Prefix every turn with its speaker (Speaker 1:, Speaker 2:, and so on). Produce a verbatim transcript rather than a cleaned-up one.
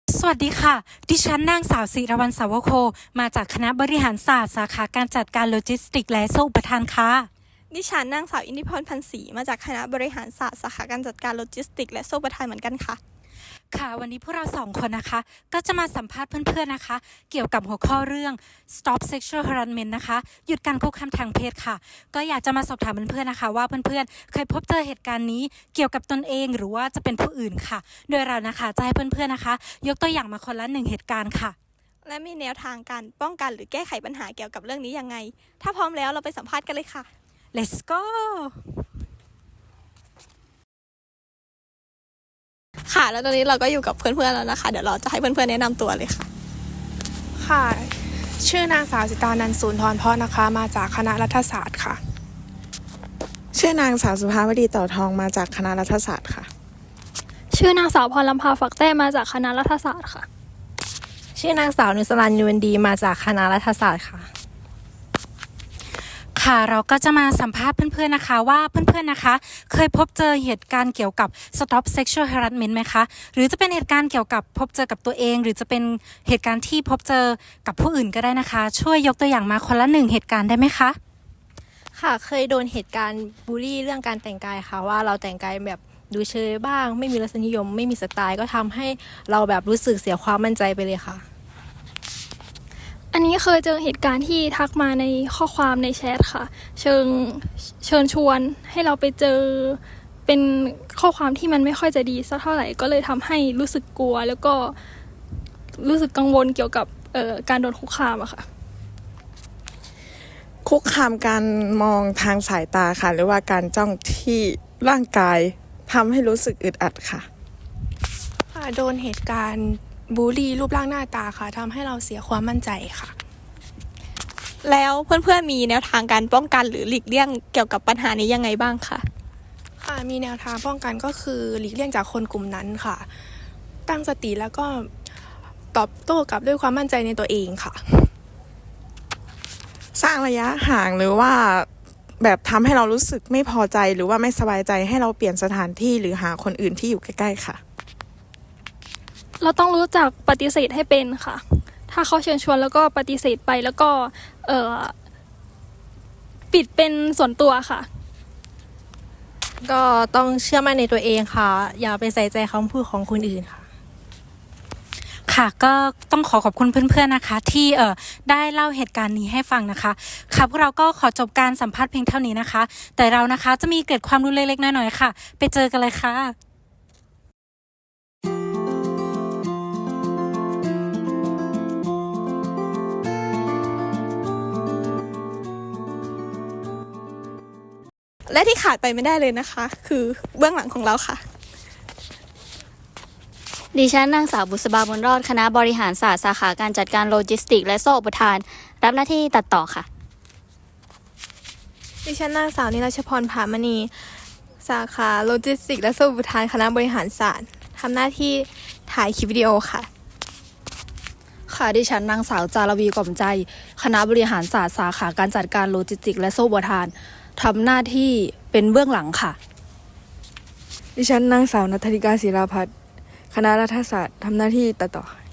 Speaker 1: สวัสดีค่ะ ดิฉันนางสาวศิรวรรณสาวโค มาจากคณะบริหารศาสตร์สาขาการจัดการโลจิสติกส์และโซ่อุปทานค่ะ
Speaker 2: ดิฉันนางสาวอินทิพรพันศรีมาจากคณะบริหารศาสตร์สาขาการจัดการโลจิสติกส์และโซ่ประทานเหมือนกันค่ะ
Speaker 1: ค่ะ วันนี้พวกเราสองคนนะคะ ก็จะมาสัมภาษณ์เพื่อนๆนะคะ เกี่ยวกับหัวข้อเรื่อง stop sexual harassment นะคะ หยุดการคุกคามทางเพศค่ะ ก็อยากจะมาสอบถามเพื่อนๆนะคะ ว่าเพื่อนๆเคยพบเจอเหตุการณ์นี้เกี่ยวกับตนเองหรือว่าจะเป็นผู้อื่นค่ะ โดยเรานะคะจะให้เพื่อนๆนะคะ ยกตัวอย่างมาคนละหนึ่งเหตุการณ์ค่ะ
Speaker 2: และมีแนวทางการป้องกันหรือแก้ไขปัญหาเกี่ยวกับเรื่องนี้ยังไง ถ้าพร้อมแล้วเราไปสัมภาษณ์กันเลยค่ะ
Speaker 1: let's go
Speaker 2: ค่ะ แล้วตอนนี้เราก็อยู่กับเพื่อนๆแล้วนะคะ เดี๋ยวเราจะให้เพื่อนๆแนะนำตัวเลยค่ะ
Speaker 3: ค่ะ ชื่อนางสาวสิตานันท์ศูนย์ทรเพาะนะคะ มาจากคณะรัฐศาสตร์ค่ะ
Speaker 4: ชื่อนางสาวสุภาวดีต่อทองมาจากคณะรัฐศาสตร์ค่ะ
Speaker 5: ชื่อนางสาวพรลำพาฝักแต้มาจากคณะรัฐศาสตร์ค่ะ
Speaker 6: ชื่อนางสาวนุสรันยูนดีมาจากคณะรัฐศาสตร์ค่ะ
Speaker 1: ค่ะเราก็จะมาสัมภาษณ์เพื่อนๆนะคะว่าเพื่อนๆนะคะเคยพบเจอเหตุการณ์เกี่ยวกับ stop sexual harassment ไหมคะหรือจะเป็นเหตุการณ์เกี่ยวกับพบเจอกับตัวเองหรือจะเป็นเหตุการณ์ที่พบเจอกับผู้อื่นก็ได้นะคะช่วยยกตัวอย่างมาคนละหนึ่งเหตุการณ์ได้ไหมคะ
Speaker 6: ค่ะเคยโดนเหตุการณ์บูลลี่เรื่องการแต่งกายค่ะว่าเราแต่งกายแบบดูเชยบ้างไม่มีรสนิยมไม่มีสไตล์ก็ทำให้เราแบบรู้สึกเสียความมั่นใจไปเลยค่ะ
Speaker 5: อันนี้เคยเจอเหตุการณ์ที่ทักมาในข้อความในแชทค่ะเชิงเชิญชวนให้เราไปเจอเป็นข้อความที่มันไม่ค่อยจะดีสักเท่าไหร่ก็เลยทำให้รู้สึกกลัวแล้วก็รู้สึกกังวลเกี่ยวกับเอ่อการโดนคุกคามอะค่ะ
Speaker 4: คุกคามการมองทางสายตาค่ะหรือว่าการจ้องที่ร่างกายทำให้รู้สึกอึดอัดค่ะ
Speaker 3: ค่ะ โดนเหตุการณ์บูลลี่รูปร่างหน้าตาค่ะทำให้เราเสียความมั่นใจค่ะ
Speaker 2: แล้วเพื่อนๆมีแนวทางการป้องกันหรือหลีกเลี่ยงเกี่ยวกับปัญหานี้ยังไงบ้างคะ
Speaker 3: ค่ะ มีแนวทางป้องกันก็คือหลีกเลี่ยงจากคนกลุ่มนั้นค่ะ ตั้งสติแล้วก็ตอบโต้กลับด้วยความมั่นใจในตัวเองค่ะ
Speaker 4: สร้างระยะห่างหรือว่าแบบทำให้เรารู้สึกไม่พอใจหรือว่าไม่สบายใจให้เราเปลี่ยนสถานที่หรือหาคนอื่นที่อยู่ใกล้ๆค่ะ
Speaker 5: เราต้องรู้จักปฏิเสธให้เป็นค่ะถ้าเขาเชิญชวนแล้วก็ปฏิเสธไปแล้วก็เอ่อปิดเป็นส่วนตัวค่ะ
Speaker 6: ก็ต้องเชื่อมั่นในตัวเองค่ะอย่าไปใส่ใจคำพูดของคนอื่นค่ะ
Speaker 1: ค่ะก็ต้องขอขอบคุณเพื่อนๆนะคะที่เอ่อได้เล่าเหตุการณ์นี้ให้ฟังนะคะค่ะพวกเราก็ขอจบการสัมภาษณ์เพียงเท่านี้นะคะแต่เรานะคะจะมีเกิดความรู้เล็กๆน้อยๆค่ะไปเจอกันเลยค่ะ
Speaker 2: และที่ขาดไปไม่ได้เลยนะคะ คือเบื้องหลังของเราค่ะ
Speaker 7: ดิฉันนางสาวบุษบาบุญรอดคณะบริหารศาสตร์สาขาการจัดการโลจิสติกส์และโซ่อุปทานรับหน้าที่ตัดต่อค่ะ
Speaker 3: ดิฉันนางสาวนิรชพรผามณีสาขาโลจิสติกส์และโซ่อุปทานคณะบริหารศาสตร์ทำหน้าที่ถ่ายคลิปวิดีโอค่ะ
Speaker 8: ค่ะดิฉันนางสาวจารวีกล่อมใจคณะบริหารศาสตร์สาขาการจัดการโลจิสติกส์และโซ่อุปทานทำหน้าที่เป็นเบื้องหลังค่ะ
Speaker 9: ดิฉันนางสาวณัฐริกาศิลาพัฒน์คณะรัฐศาสตร์ทำหน้าที่ตัดต่อ